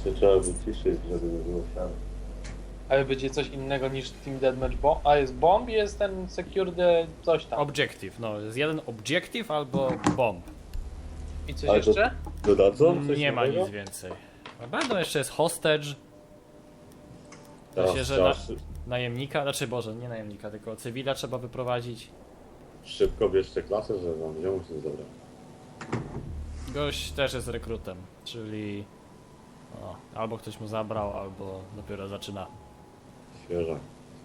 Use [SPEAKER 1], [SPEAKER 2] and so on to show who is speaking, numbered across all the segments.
[SPEAKER 1] się trzeba wyciszyć, żeby nie było siary.
[SPEAKER 2] Ale będzie coś innego niż Team Deathmatch Bomb? A jest bomb i jest ten Secure the coś tam.
[SPEAKER 3] Objective, no jest jeden objective albo bomb.
[SPEAKER 2] I coś
[SPEAKER 1] Ale to
[SPEAKER 2] jeszcze?
[SPEAKER 1] dodadzą? Coś
[SPEAKER 3] Nie ma
[SPEAKER 1] nowego?
[SPEAKER 3] nic więcej. A będą jeszcze jest hostage,
[SPEAKER 1] Teraz
[SPEAKER 3] Myślę, że
[SPEAKER 1] trzeba
[SPEAKER 3] najemnika, znaczy Boże, nie najemnika, tylko cywila trzeba wyprowadzić.
[SPEAKER 1] szybko bierzcie klasę, że wam ziomu się zabrać.
[SPEAKER 3] Gość też jest rekrutem, czyli albo ktoś mu zabrał, albo dopiero zaczyna.
[SPEAKER 1] Świeża.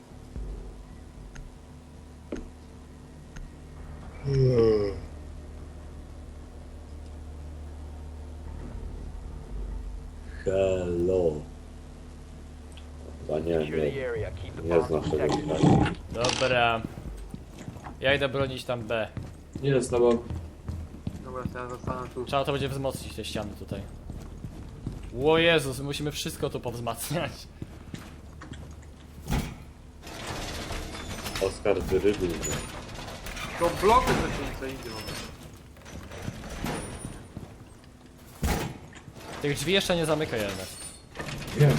[SPEAKER 1] Hello. Chyba nie znasz tego kraju.
[SPEAKER 3] Dobra. Ja idę bronić tam B.
[SPEAKER 4] Nie z tobą.
[SPEAKER 2] Dobra, to ja zostanę tu.
[SPEAKER 3] Trzeba to będzie wzmocnić te ściany tutaj. O Jezus, musimy wszystko tu powzmacniać.
[SPEAKER 1] Oskar Dyrygu.
[SPEAKER 2] To bloky to się idzie.
[SPEAKER 3] Tych drzwi jeszcze nie zamykaj, Ernest.
[SPEAKER 4] Wiem.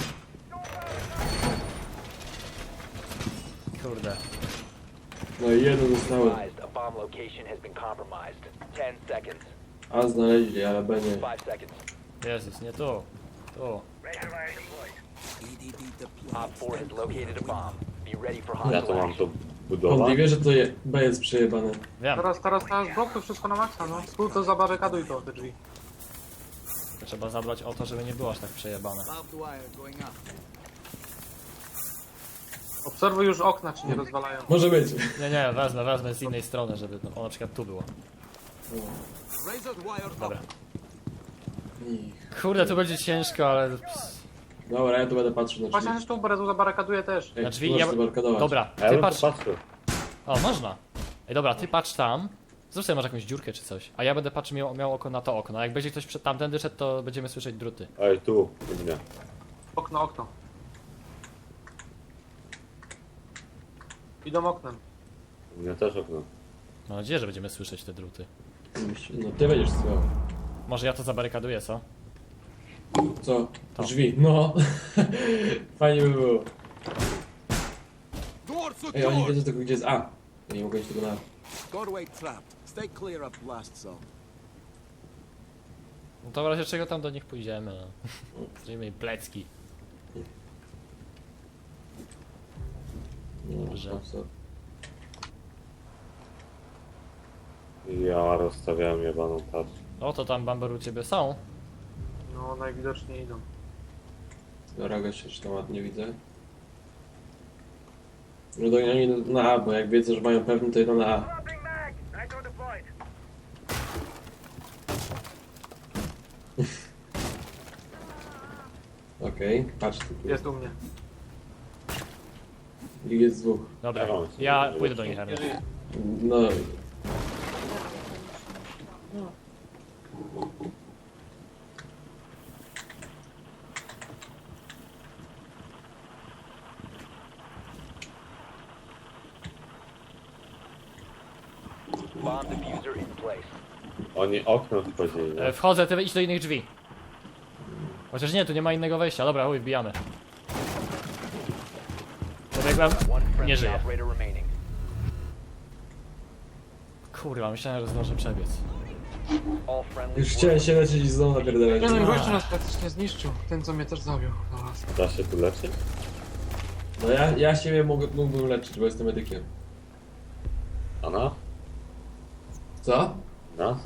[SPEAKER 3] Kurde.
[SPEAKER 4] No i jedno zostało.
[SPEAKER 5] A bomb location has been compromised. 10 seconds.
[SPEAKER 4] A znaleźli, ale B nie.
[SPEAKER 5] 5 seconds.
[SPEAKER 3] Jezus, nie tu. Tu.
[SPEAKER 5] Op 4 has located a bomb. Be ready for
[SPEAKER 1] Ja
[SPEAKER 5] hostile
[SPEAKER 1] to mam
[SPEAKER 5] action.
[SPEAKER 1] to
[SPEAKER 4] On
[SPEAKER 1] budować.
[SPEAKER 4] nie wie, że to B jest przejebane.
[SPEAKER 3] Wiem.
[SPEAKER 2] Teraz blokuj wszystko na maksa, no. Spół to zabarykaduj to, te drzwi.
[SPEAKER 3] Trzeba zabrać o to, żeby nie było aż tak przejebane.
[SPEAKER 2] Obserwuj już okna, czy nie rozwalają.
[SPEAKER 4] Może być.
[SPEAKER 3] Nie, wezmę z innej strony, żeby o na przykład tu było. Dobra. Kurde, tu będzie ciężko, ale...
[SPEAKER 4] Dobra, ja tu będę patrzył na
[SPEAKER 2] Właśnie
[SPEAKER 4] drzwi.
[SPEAKER 2] też tu Berezu zabarykaduje też.
[SPEAKER 4] Ej,
[SPEAKER 3] Na drzwi
[SPEAKER 4] możesz
[SPEAKER 3] ja...
[SPEAKER 4] zabarkadować.
[SPEAKER 3] Dobra,
[SPEAKER 1] A ja
[SPEAKER 3] ty
[SPEAKER 1] bym
[SPEAKER 3] patrz...
[SPEAKER 1] popatrzył.
[SPEAKER 3] O, można. Ej, dobra, ty patrz tam. Zrób sobie może jakąś dziurkę czy coś. A ja będę patrzył, miał oko na to okno. A jak będzie ktoś przed tamtędy szedł, to będziemy słyszeć druty.
[SPEAKER 1] Ej, tu, u mnie.
[SPEAKER 2] Okno. Idą oknem.
[SPEAKER 1] U mnie też okno.
[SPEAKER 3] Mam nadzieję, że będziemy słyszeć te druty.
[SPEAKER 4] No ty będziesz słuchał.
[SPEAKER 3] Może ja to zabarykaduję, co?
[SPEAKER 4] Co?
[SPEAKER 3] To.
[SPEAKER 4] Drzwi. No. Fajnie by było. Ej, oni wiedzą tylko gdzie jest A. Ja nie mogę iść tego na A.
[SPEAKER 6] Doorway trapped. Stay clear of blast zone.
[SPEAKER 3] No to w razie czego tam do nich pójdziemy, no. Zrobimy im plecki. Dobrze.
[SPEAKER 4] No, co?
[SPEAKER 1] Ja rozstawiałem jebaną tarczę.
[SPEAKER 3] O, to tam Bamber u ciebie są.
[SPEAKER 2] No, najwidoczniej idą.
[SPEAKER 4] Dobra, gościa, czy tam ładnie widzę. No to oni na A, bo jak wiedzą, że mają pewny, to idą na A. Okej, patrz tu.
[SPEAKER 2] Jest u mnie.
[SPEAKER 4] Ich jest dwóch.
[SPEAKER 3] Dobra,
[SPEAKER 1] Ja mam.
[SPEAKER 3] ja pójdę do nich, Ernest.
[SPEAKER 4] No.
[SPEAKER 5] Bomb diffuser in place.
[SPEAKER 1] Oni oknem wchodzili, nie?
[SPEAKER 3] Wchodzę, ty idź do innych drzwi. Chociaż nie, tu nie ma innego wejścia. Dobra, chuj, wbijamy. Pobiegłem.
[SPEAKER 5] One
[SPEAKER 3] Nie
[SPEAKER 5] friendly
[SPEAKER 3] żyje.
[SPEAKER 5] operator remaining.
[SPEAKER 3] Kurwa, myślałem, że zdążę przebiec.
[SPEAKER 5] All friendly
[SPEAKER 4] Już chciałem się leczyć i znowu napierdalać.
[SPEAKER 2] Nie no i gościu nas praktycznie zniszczył. Ten, co mnie też zabił. Zaraz.
[SPEAKER 1] Da się tu leczyć?
[SPEAKER 4] No ja siebie mógłbym leczyć, bo jestem medykiem.
[SPEAKER 1] A nas?
[SPEAKER 4] Co?
[SPEAKER 1] Nas?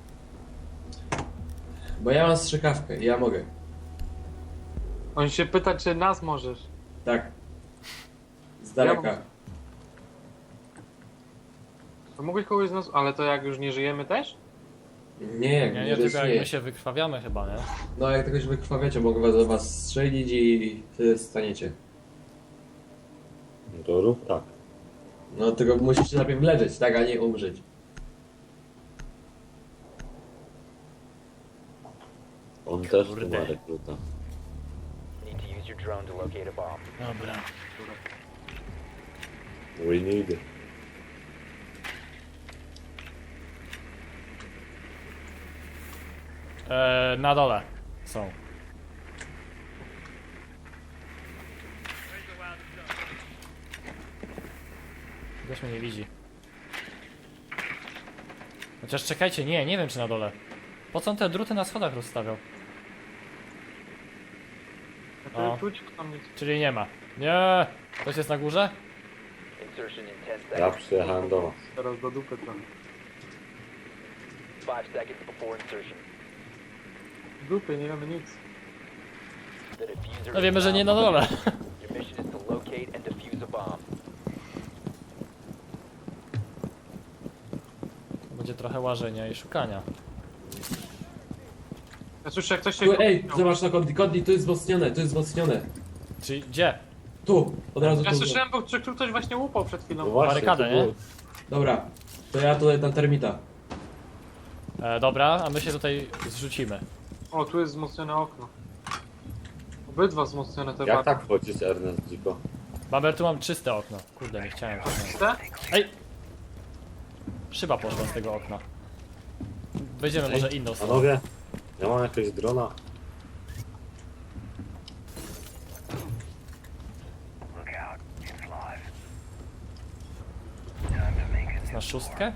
[SPEAKER 4] Bo ja mam strzykawkę i ja mogę.
[SPEAKER 2] On się pyta, czy nas możesz.
[SPEAKER 4] Tak. Z daleka.
[SPEAKER 2] Ja To mógłbyś kogoś z nas... Ale to jak już nie żyjemy też?
[SPEAKER 4] Nie, jak
[SPEAKER 3] Nie,
[SPEAKER 4] nie,
[SPEAKER 3] tylko jak my
[SPEAKER 4] nie.
[SPEAKER 3] się wykrwawiamy chyba, nie?
[SPEAKER 4] No jak tego się wykrwawiacie, mogę was, was strzelić i wtedy staniecie.
[SPEAKER 1] No to rób tak.
[SPEAKER 4] No tylko musicie najpierw leżeć, tak, a nie umrzeć.
[SPEAKER 1] On też tu
[SPEAKER 3] Kurde.
[SPEAKER 1] ma rekruta.
[SPEAKER 5] need to use your drone to locate a bomb.
[SPEAKER 3] Dobra.
[SPEAKER 1] We need.
[SPEAKER 3] Na dole są. Ktoś mnie nie widzi. Chociaż czekajcie, nie wiem czy na dole. Po co on te druty na schodach rozstawiał? O.
[SPEAKER 2] Tu tam nic.
[SPEAKER 3] Czyli nie ma. Nie! Ktoś jest na górze?
[SPEAKER 5] Insertion in 10
[SPEAKER 1] Ja
[SPEAKER 5] seconds.
[SPEAKER 1] przyjechałem do was.
[SPEAKER 2] Teraz do dupy trochę.
[SPEAKER 5] 5 seconds before insertion.
[SPEAKER 2] Dupy, nie wiemy nic.
[SPEAKER 5] The diffuser
[SPEAKER 3] No
[SPEAKER 5] is
[SPEAKER 3] wiemy, że nie na
[SPEAKER 5] now
[SPEAKER 3] dole.
[SPEAKER 5] Your mission is to locate and defuse a bomb.
[SPEAKER 3] Będzie trochę łażenia i szukania.
[SPEAKER 2] Ja słyszę jak ktoś się...
[SPEAKER 4] Tu, ej, zobacz na Kodli. Kodli, tu jest wzmocnione, tu jest wzmocnione.
[SPEAKER 3] Czyli gdzie?
[SPEAKER 4] Tu, od razu
[SPEAKER 2] Ja
[SPEAKER 4] tu.
[SPEAKER 2] słyszałem, bo tu ktoś właśnie łupał przed
[SPEAKER 1] No
[SPEAKER 2] chwilą.
[SPEAKER 1] właśnie,
[SPEAKER 3] Barykadę,
[SPEAKER 1] to
[SPEAKER 3] nie?
[SPEAKER 1] było-
[SPEAKER 4] Dobra, to ja tutaj na termita.
[SPEAKER 3] Dobra, a my się tutaj zrzucimy.
[SPEAKER 2] O, tu jest wzmocnione okno. Obydwa wzmocnione te
[SPEAKER 1] Jak
[SPEAKER 2] barki.
[SPEAKER 1] tak wchodzisz, Ernest, dziko?
[SPEAKER 3] Bamber, tu mam czyste okno. Kurde, nie chciałem.
[SPEAKER 2] Te?
[SPEAKER 3] Ej! Szyba poszła z tego okna. Wejdziemy może inną stronę.
[SPEAKER 1] Panowie, ja mam jakiegoś drona.
[SPEAKER 3] Na szóstkę?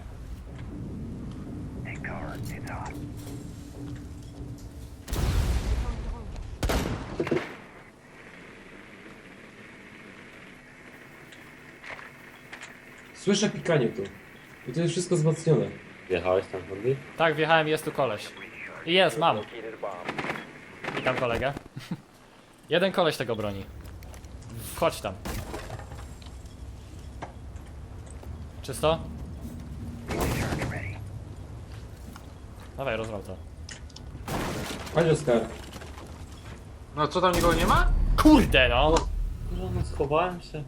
[SPEAKER 4] Słyszę pikanie tu. I to jest wszystko wzmocnione.
[SPEAKER 1] Jechałeś tam, Andy?
[SPEAKER 3] Tak, wjechałem, jest tu koleś. I jest, mam.
[SPEAKER 5] Located a bomb.
[SPEAKER 3] Witam kolegę. Jeden koleś tego broni. Wchodź tam. Czysto? Dawaj, rozwal to.
[SPEAKER 4] Chodź, Oskar.
[SPEAKER 2] No co tam nikogo nie ma?
[SPEAKER 3] Kurde no!
[SPEAKER 1] No, schowałem się.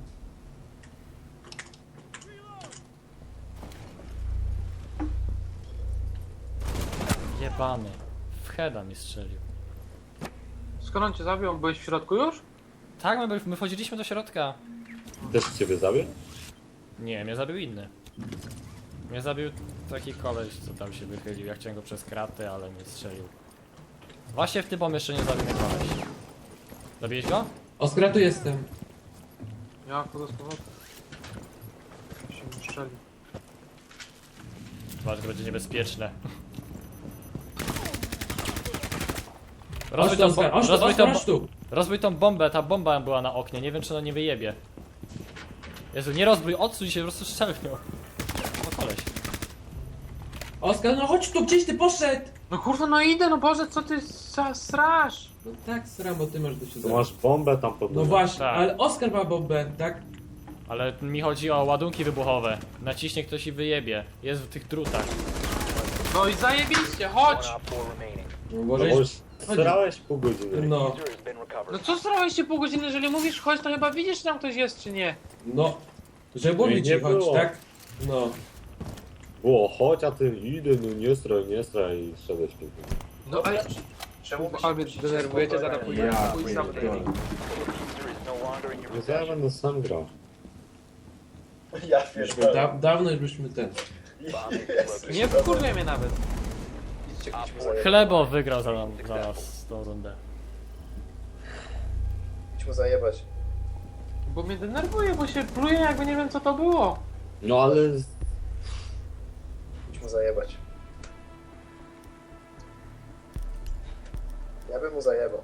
[SPEAKER 3] Jebany. W heada mi strzelił.
[SPEAKER 2] Skąd on cię zabił? Byłeś w środku już?
[SPEAKER 3] Tak, my wchodziliśmy do środka.
[SPEAKER 1] Też ciebie zabił?
[SPEAKER 3] Nie, mnie zabił inny. Mnie zabił taki koleś, co tam się wychylił. Ja chciałem go przez kraty, ale mnie strzelił. Właśnie w tym pomieszczeniu zabił mnie koleś. Zabiłeś go?
[SPEAKER 4] Oskar, ja tu jestem.
[SPEAKER 2] Ja wchodzę z powrotem. Się mi strzeli.
[SPEAKER 3] Zobacz, to będzie niebezpieczne.
[SPEAKER 4] Chodź tu, Oskar, chodź tu,
[SPEAKER 3] rozbój,
[SPEAKER 4] Oskar,
[SPEAKER 3] tą,
[SPEAKER 4] chodź tu.
[SPEAKER 3] rozbój tą bombę, ta bomba była na oknie, nie wiem czy ona nie wyjebie. Jezu, nie rozbój, odsuń się, po prostu strzelnią. O koleś.
[SPEAKER 4] Oskar, no chodź tu, gdzieś ty poszedł?
[SPEAKER 2] No kurwa, no idę, no Boże, co ty strasz?
[SPEAKER 4] No tak, sram, bo ty masz do
[SPEAKER 1] Tu
[SPEAKER 4] siedzenia.
[SPEAKER 1] masz bombę tam pod
[SPEAKER 4] No
[SPEAKER 1] nogą.
[SPEAKER 4] właśnie,
[SPEAKER 3] Tak.
[SPEAKER 4] ale Oskar ma bombę, tak?
[SPEAKER 3] Ale mi chodzi o ładunki wybuchowe. Naciśnie ktoś i wyjebie. Jest w tych drutach.
[SPEAKER 2] No i zajebiście,
[SPEAKER 5] One
[SPEAKER 2] chodź!
[SPEAKER 5] op 4 remaining.
[SPEAKER 4] No
[SPEAKER 1] No
[SPEAKER 4] może
[SPEAKER 1] bo już strałeś pół godziny.
[SPEAKER 4] No,
[SPEAKER 5] Diffuser has been recovered.
[SPEAKER 2] No co starałeś się pół godziny, jeżeli mówisz chodź, to chyba widzisz, czy tam ktoś jest, czy nie?
[SPEAKER 4] no. Żeby mówić
[SPEAKER 1] nie
[SPEAKER 4] ci chodź,
[SPEAKER 1] było.
[SPEAKER 4] tak? No.
[SPEAKER 1] Było, chodź, a ty idę, no nie straj i szedłeś pięknie.
[SPEAKER 2] No ale...
[SPEAKER 7] Czemu
[SPEAKER 2] Ale mnie denerwujecie, zaraz pójdę.
[SPEAKER 4] Ja
[SPEAKER 2] pójdę sam
[SPEAKER 4] pierdolę.
[SPEAKER 5] The diffuser is no longer in your
[SPEAKER 1] No to ja
[SPEAKER 5] possession.
[SPEAKER 1] będę sam grał.
[SPEAKER 7] Ja
[SPEAKER 4] Myśmy
[SPEAKER 7] pierdolę.
[SPEAKER 4] dawno już byśmy ten.
[SPEAKER 5] Bomb is located.
[SPEAKER 2] Nie wkurwia mnie nawet.
[SPEAKER 7] Idźcie
[SPEAKER 5] Op
[SPEAKER 7] gdzieś
[SPEAKER 5] 4
[SPEAKER 3] Chlebo wygrał za nas tą rundę.
[SPEAKER 7] mu zajebać.
[SPEAKER 2] Bo mnie denerwuje, bo się pluje, jakby nie wiem co to było.
[SPEAKER 1] No ale...
[SPEAKER 7] Idź mu zajebać. Ja bym mu zajebał.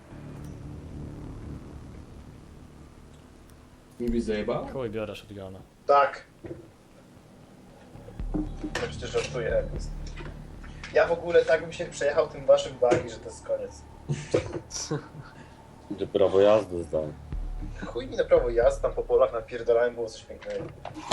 [SPEAKER 4] Mi byś zajebał?
[SPEAKER 3] Chuj, biorę shotguna.
[SPEAKER 7] Tak. No przecież żartuję, Ernest. Ja w ogóle tak bym się przejechał tym waszym bagi, że to jest koniec.
[SPEAKER 1] Że prawo jazdy zdałem.
[SPEAKER 7] Chuj mi na prawo jazdy, tam po polach napierdalałem, było coś pięknego.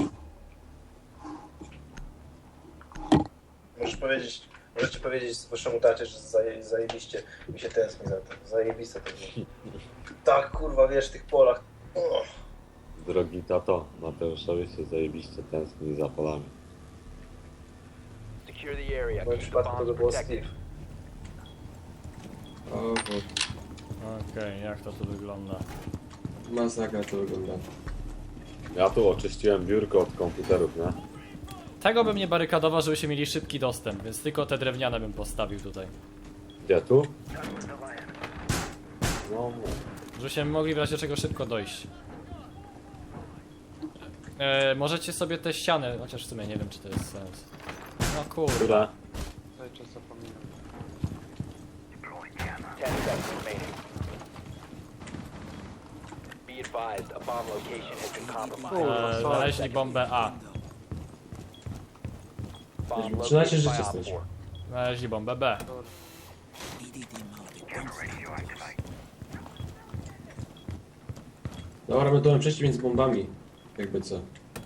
[SPEAKER 7] Możecie powiedzieć waszemu tacie, że zajebiście mi się tęskni za tym. Zajebiste to było. Tak, kurwa, wiesz, w tych polach. Oh.
[SPEAKER 1] Drogi tato, Mateuszowi się zajebiście tęskni za polami.
[SPEAKER 5] Secure the area.
[SPEAKER 7] W moim
[SPEAKER 5] Keep the
[SPEAKER 7] przypadku to by
[SPEAKER 5] bombs
[SPEAKER 7] było
[SPEAKER 5] protected.
[SPEAKER 7] Steve.
[SPEAKER 4] O, bo
[SPEAKER 3] Okej, jak to tu wygląda?
[SPEAKER 4] masakra to wygląda.
[SPEAKER 1] Ja tu oczyściłem biurko od komputerów, nie?
[SPEAKER 3] Tego bym nie barykadował, żebyśmy mieli szybki dostęp, więc tylko te drewniane bym postawił tutaj.
[SPEAKER 1] Gdzie tu? No,
[SPEAKER 3] Żebyśmy mogli w razie czego szybko dojść. Możecie sobie te ściany, chociaż w sumie nie wiem, czy to jest sens. No kurwa.
[SPEAKER 1] Która?
[SPEAKER 2] Cały czas zapominam.
[SPEAKER 5] 10 seconds remaining. Be advised, a bomb location has been compromised.
[SPEAKER 3] Znaleźli bombę A.
[SPEAKER 5] Bomb
[SPEAKER 4] Przydacie
[SPEAKER 5] located
[SPEAKER 4] życie
[SPEAKER 5] by Op
[SPEAKER 4] stać.
[SPEAKER 5] 4.
[SPEAKER 3] Znaleźli bombę B.
[SPEAKER 4] Dobra, my to mamy przejście między bombami. Jakby co.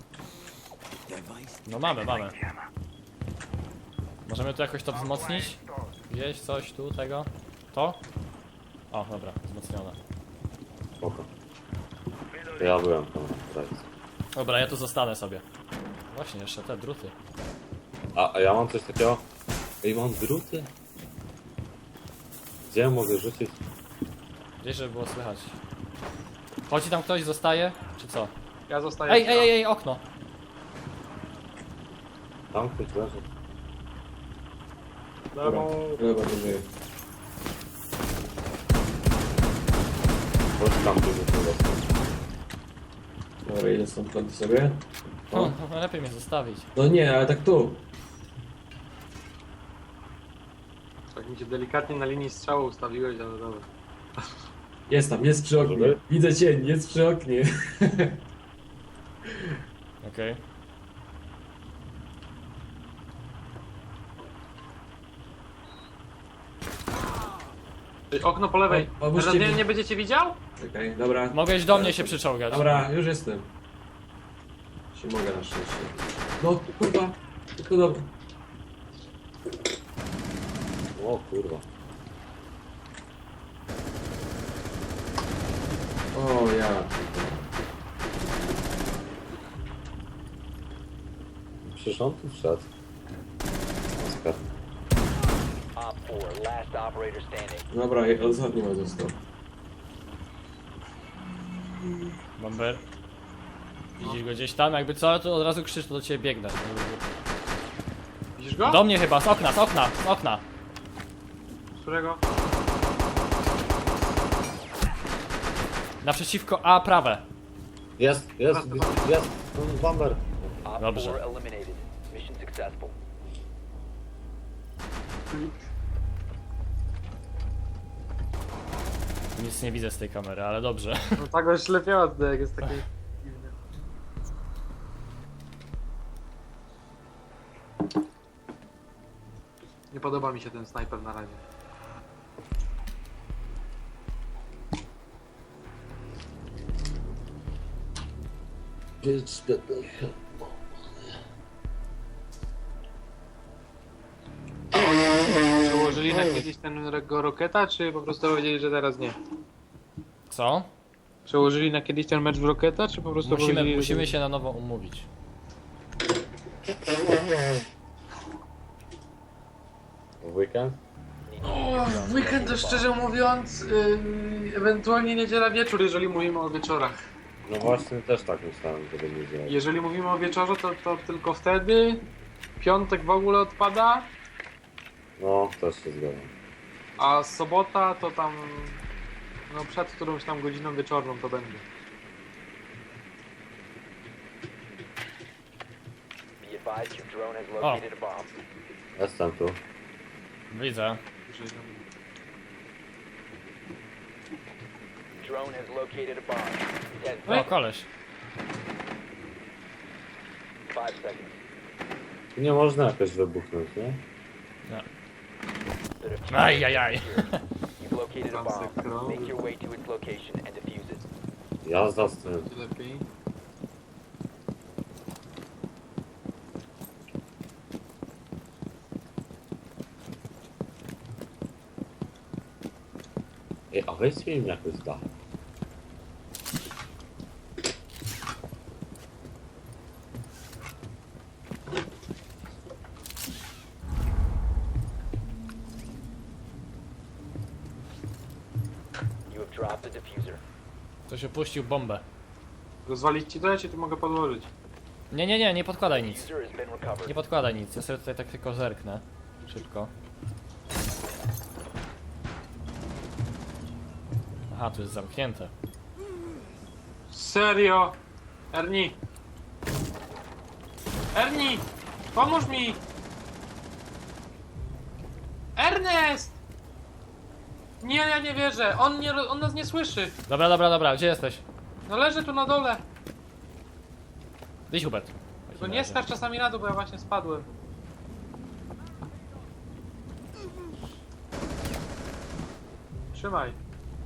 [SPEAKER 3] No mamy. Możemy tu jakoś to wzmocnić? Gdzieś coś tu, tego? To? O, dobra, wzmocnione.
[SPEAKER 1] Spoko. Ja byłem tam. Right.
[SPEAKER 3] Dobra, ja tu zostanę sobie. Właśnie, jeszcze te druty.
[SPEAKER 1] A ja mam coś takiego. Ej, mam druty? Gdzie mogę rzucić?
[SPEAKER 3] Gdzieś, żeby było słychać. Chodzi tam ktoś, zostaje? Czy co?
[SPEAKER 2] Ja zostaję.
[SPEAKER 3] Ej, okno!
[SPEAKER 1] Tam ktoś leży.
[SPEAKER 4] Dobra, dobra, to żyje.
[SPEAKER 1] Chodź tam, tu jest.
[SPEAKER 4] Dobra, idę stąd planty sobie.
[SPEAKER 3] No, lepiej mnie zostawić.
[SPEAKER 4] No nie, ale tak tu.
[SPEAKER 2] Tak mi się delikatnie na linii strzału ustawiłeś, ale dobra.
[SPEAKER 4] Jest tam, jest przy oknie.
[SPEAKER 1] Dobry.
[SPEAKER 4] Widzę cień, jest przy oknie.
[SPEAKER 3] Okej.
[SPEAKER 2] Okno po lewej.
[SPEAKER 4] Pomóżcie
[SPEAKER 2] Teraz
[SPEAKER 4] mi.
[SPEAKER 2] nie będziecie widział?
[SPEAKER 4] Czekaj, dobra.
[SPEAKER 3] Mogłeś do mnie się przyczołgać.
[SPEAKER 4] Dobra, już jestem. Się mogę na szczęście. No kurwa, tylko dobra.
[SPEAKER 1] O kurwa.
[SPEAKER 4] O ja.
[SPEAKER 1] Przecież on tu wszedł. Oskar.
[SPEAKER 5] Op 4, last operator standing.
[SPEAKER 4] Dobra, ostatni ma został.
[SPEAKER 3] Bomber. Widzisz go gdzieś tam? Jakby co, to od razu krzycz, to do ciebie biegnę.
[SPEAKER 2] Widzisz go?
[SPEAKER 3] Do mnie chyba, z okna!
[SPEAKER 2] Którego?
[SPEAKER 3] Naprzeciwko A, prawe.
[SPEAKER 1] Jest. Bomber.
[SPEAKER 5] Op
[SPEAKER 3] Dobrze.
[SPEAKER 5] 4 eliminated. Mission successful.
[SPEAKER 3] Nic nie widzę z tej kamery, ale dobrze.
[SPEAKER 2] No tak go ślepiała tutaj, jak jest taki dziwny. Nie podoba mi się ten snajper na razie. Przełożyli na kiedyś ten Roketa, czy po prostu powiedzieli, że teraz nie?
[SPEAKER 3] Co?
[SPEAKER 2] Przełożyli na kiedyś ten mecz w Roketa, czy po prostu powiedzieli,
[SPEAKER 3] Musimy się na nowo umówić.
[SPEAKER 1] W weekend?
[SPEAKER 2] W weekend to szczerze mówiąc, ewentualnie niedziela wieczór, jeżeli mówimy o wieczorach.
[SPEAKER 1] No właśnie też tak myślałem, że będzie działać.
[SPEAKER 2] Jeżeli mówimy o wieczorze, to tylko wtedy. Piątek w ogóle odpada,
[SPEAKER 1] No, też się zgadzam.
[SPEAKER 2] a sobota to tam no przed którąś tam godziną wieczorną to będzie.
[SPEAKER 5] Be advised your drone has located a bomb.
[SPEAKER 1] Jestem tu.
[SPEAKER 3] Widzę.
[SPEAKER 5] Drone has located a bomb. 10 seconds.
[SPEAKER 3] O, koleś.
[SPEAKER 5] 5 seconds.
[SPEAKER 1] Tu nie można jakoś wybuchnąć, nie?
[SPEAKER 5] The diffuser
[SPEAKER 3] Ajajaj.
[SPEAKER 5] is secure. You've located a bomb.
[SPEAKER 2] Masakra.
[SPEAKER 5] Make your way to its location and defuse it.
[SPEAKER 1] Jazda z tym.
[SPEAKER 2] Lepiej.
[SPEAKER 1] Ej, a weź mi jakoś da.
[SPEAKER 5] You have dropped the diffuser.
[SPEAKER 3] Ktoś opuścił bombę.
[SPEAKER 2] Rozwalić ci to, ja ci tu mogę podłożyć.
[SPEAKER 3] Nie podkładaj nic.
[SPEAKER 5] Diffuser has been recovered.
[SPEAKER 3] Nie podkładaj nic, ja sobie tutaj tak tylko zerknę. Szybko. Aha, tu jest zamknięte.
[SPEAKER 2] Serio? Ernie, Ernie! Pomóż mi! Ernest! Nie, ja nie wierzę. On nas nie słyszy.
[SPEAKER 3] Dobra, gdzie jesteś?
[SPEAKER 2] No leży tu na dole.
[SPEAKER 3] Wyjdź, Hubert.
[SPEAKER 2] Tylko nie skacz czasami na dół, bo ja właśnie spadłem. Trzymaj.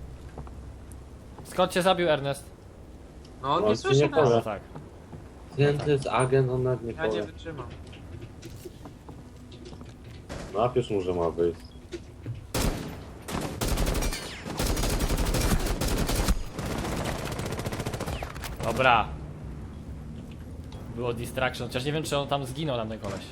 [SPEAKER 3] Skąd cię zabił Ernest?
[SPEAKER 2] No on
[SPEAKER 1] On
[SPEAKER 2] nie
[SPEAKER 1] ci
[SPEAKER 2] słyszy
[SPEAKER 1] nie
[SPEAKER 2] nas.
[SPEAKER 1] powie.
[SPEAKER 3] No tak.
[SPEAKER 1] Ten to jest agent, on nawet nie
[SPEAKER 2] Ja nie
[SPEAKER 1] powie.
[SPEAKER 2] wytrzymam.
[SPEAKER 1] Napisz mu, że ma wyjść.
[SPEAKER 3] Dobra. Było distraction, chociaż nie wiem, czy on tam zginął, tam ten koleś.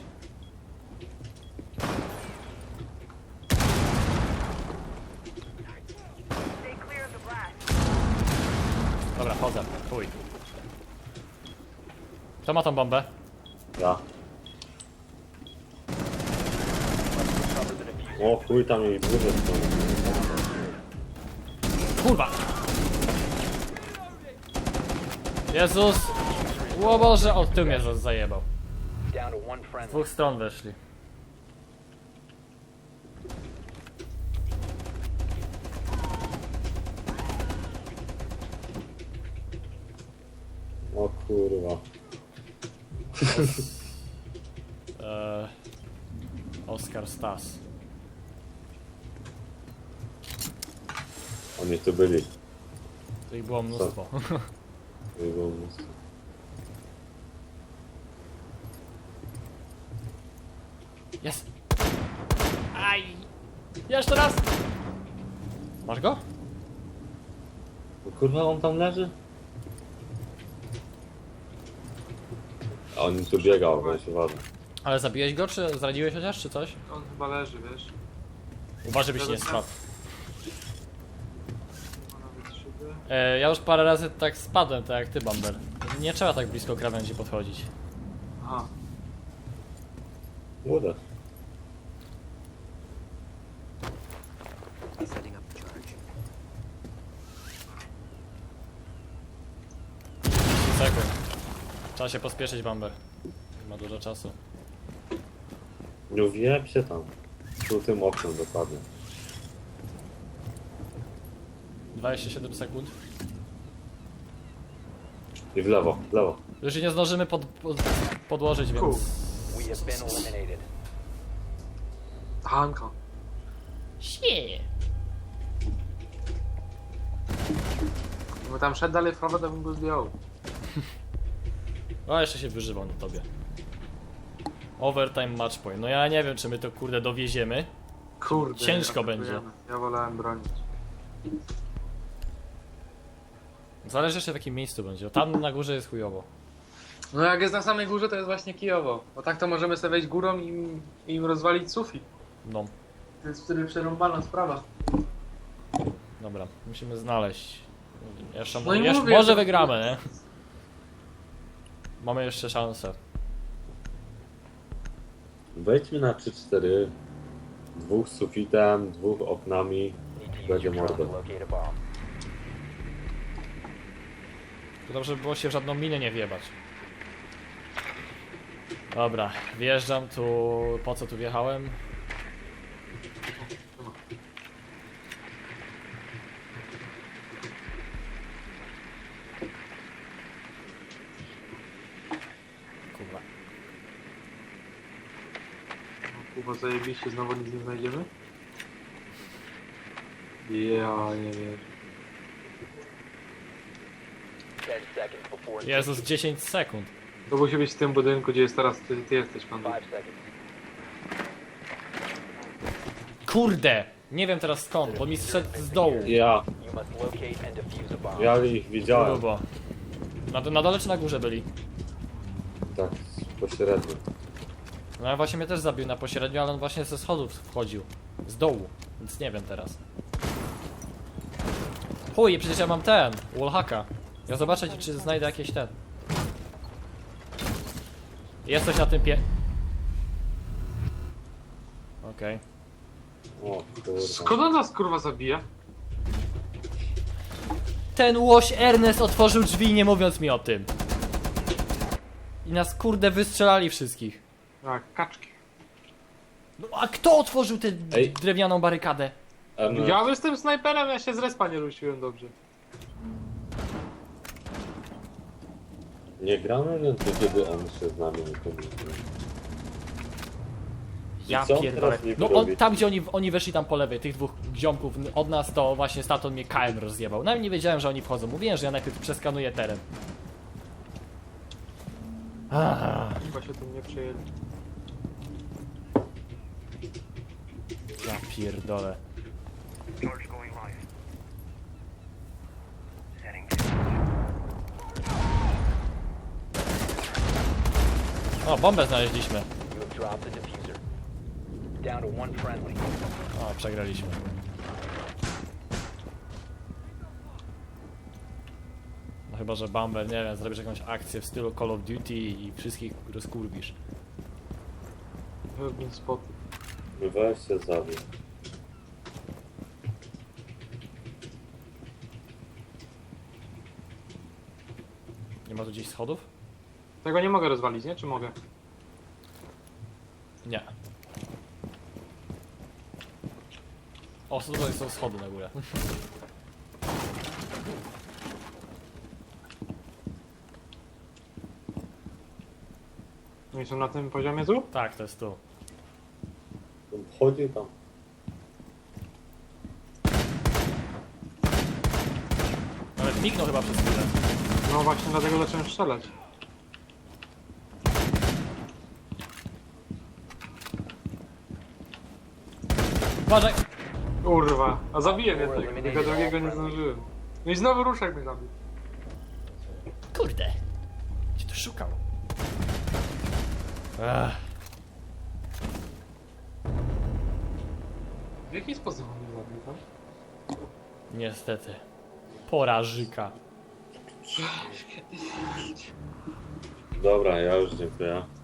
[SPEAKER 3] Dobra, chodzę. Chuj. Kto ma tą bombę?
[SPEAKER 1] Ja. O chuj, tam jej dłużej są.
[SPEAKER 3] Kurwa! Jezus! O Boże, od tyłu mnie zajebał.
[SPEAKER 5] Down to one
[SPEAKER 3] Z
[SPEAKER 5] friendly.
[SPEAKER 3] dwóch stron weszli.
[SPEAKER 1] O kurwa.
[SPEAKER 3] Oskar Stas.
[SPEAKER 1] Oni tu byli.
[SPEAKER 3] Tu ich było mnóstwo.
[SPEAKER 1] Nie było mnóstwo.
[SPEAKER 3] Jest! Aj! Jeszcze raz! Masz go?
[SPEAKER 1] O kurwa, on tam leży? A on tu biegał, weź uważaj.
[SPEAKER 3] Ale zabiłeś go, czy zraniłeś chociaż, czy coś?
[SPEAKER 2] On chyba leży, wiesz.
[SPEAKER 3] Uważaj, byś nie spadł.
[SPEAKER 2] Ma nawet szyby.
[SPEAKER 3] Ja już parę razy tak spadłem, tak jak ty, Bamber. Nie trzeba tak blisko krawędzi podchodzić.
[SPEAKER 2] Aha.
[SPEAKER 1] Uda.
[SPEAKER 3] Sekund. Trzeba się pospieszyć, Bamber. Nie ma dużo czasu.
[SPEAKER 1] Nie wjeb się tam. Tu tym oknem dokładnie.
[SPEAKER 3] 27 sekund.
[SPEAKER 1] I w lewo, w lewo.
[SPEAKER 3] Już się nie zdążymy podłożyć, więc...
[SPEAKER 5] We have been eliminated.
[SPEAKER 2] Hanka.
[SPEAKER 3] Sie.
[SPEAKER 2] Gdyby tam szedł dalej w prawo, to bym go zdjął.
[SPEAKER 3] O, jeszcze się wyżywał na tobie. Overtime match point. No ja nie wiem, czy my to kurde dowieziemy.
[SPEAKER 2] Kurde.
[SPEAKER 3] Ciężko
[SPEAKER 2] atakujemy.
[SPEAKER 3] będzie.
[SPEAKER 2] Ja wolałem bronić.
[SPEAKER 3] Zależy jeszcze w jakim miejscu będzie. Tam na górze jest chujowo.
[SPEAKER 2] No jak jest na samej górze, to jest właśnie kijowo. Bo tak to możemy sobie wejść górą i im rozwalić sufit.
[SPEAKER 3] No,
[SPEAKER 2] To jest wtedy przerąbana sprawa.
[SPEAKER 3] dobra. Musimy znaleźć. Jeszcze,
[SPEAKER 2] No i
[SPEAKER 3] jeszcze
[SPEAKER 2] mówię,
[SPEAKER 3] może
[SPEAKER 2] że-
[SPEAKER 3] wygramy, nie? Mamy jeszcze szansę.
[SPEAKER 1] Wejdźmy na 3-4. Dwóch z sufitem, dwóch oknami.
[SPEAKER 5] Need to use
[SPEAKER 1] Będzie
[SPEAKER 5] your drone to
[SPEAKER 1] mordo.
[SPEAKER 5] locate a bomb.
[SPEAKER 3] To dobrze by było się w żadną minę nie wjebać. Dobra, wjeżdżam tu. Po co tu wjechałem? Kurwa.
[SPEAKER 2] Kurwa zajebiście, znowu nic nie znajdziemy? Ja nie wiem.
[SPEAKER 5] 10 seconds before
[SPEAKER 3] Jezus, 10 sekund.
[SPEAKER 2] To musi być w tym budynku, gdzie jest teraz ty jesteś, pan.
[SPEAKER 5] 5 seconds.
[SPEAKER 3] Kurde! Nie wiem teraz skąd, bo mi zszedł z dołu.
[SPEAKER 1] Ja,
[SPEAKER 5] You must locate and defuse a bomb.
[SPEAKER 1] ja ich widziałem.
[SPEAKER 3] Grubo. Na dole czy na górze byli?
[SPEAKER 1] Tak, pośrednio.
[SPEAKER 3] No ja właśnie mnie też zabił na pośrednio, ale on właśnie ze schodów wchodził. Z dołu, więc nie wiem teraz. Chuj, przecież ja mam ten, wallhacka. Ja zobaczę, czy znajdę jakieś ten. Jest coś na tym Okej.
[SPEAKER 1] O kurwa.
[SPEAKER 2] Skąd on nas kurwa zabija?
[SPEAKER 3] Ten łoś Ernest otworzył drzwi, nie mówiąc mi o tym. I nas kurde wystrzelali wszystkich.
[SPEAKER 2] Tak, kaczki.
[SPEAKER 3] No a kto otworzył tę
[SPEAKER 1] Ej.
[SPEAKER 3] drewnianą barykadę?
[SPEAKER 2] Ja jestem snajperem, ja się z respa nie rusiłem dobrze.
[SPEAKER 1] Nie gramy więcej, kiedy on się z nami nie komunikuje.
[SPEAKER 3] Ja
[SPEAKER 1] co on
[SPEAKER 3] pierdolę.
[SPEAKER 1] teraz niby
[SPEAKER 3] No
[SPEAKER 1] robi?
[SPEAKER 3] tam gdzie oni weszli tam po lewej, tych dwóch ziomków od nas, to właśnie Staton mnie KM rozjebał. Nawet nie wiedziałem, że oni wchodzą. Mówiłem, że ja najpierw przeskanuję teren.
[SPEAKER 2] Chyba się tym nie przejęli.
[SPEAKER 3] Ja pierdolę. O, bombę znaleźliśmy.
[SPEAKER 5] You have dropped the diffuser. Down to one friendly.
[SPEAKER 3] O, przegraliśmy. No chyba, że Bumble, nie wiem, zrobisz jakąś akcję w stylu Call of Duty i wszystkich rozkurwisz.
[SPEAKER 2] Pewnie spot.
[SPEAKER 1] Weź się zabił.
[SPEAKER 3] Nie ma tu gdzieś schodów?
[SPEAKER 2] Tego nie mogę rozwalić, nie? Czy mogę?
[SPEAKER 3] Nie. O, tutaj są schody na górę.
[SPEAKER 2] Oni są na tym poziomie tu?
[SPEAKER 3] Tak, to jest tu.
[SPEAKER 1] On wchodzi tam.
[SPEAKER 3] Nawet mignął chyba przez chwilę.
[SPEAKER 2] No właśnie dlatego zacząłem strzelać.
[SPEAKER 3] Uważaj!
[SPEAKER 2] Kurwa, a zabiłem jednego, tego drugiego nie zdążyłem. No i znowu ruszek mnie zabił.
[SPEAKER 3] Kurde! Gdzie to szukał? Ech.
[SPEAKER 2] W jaki sposób on mnie zabił, tak?
[SPEAKER 3] Niestety. Porażyka.
[SPEAKER 1] Dobra, ja już dziękuję.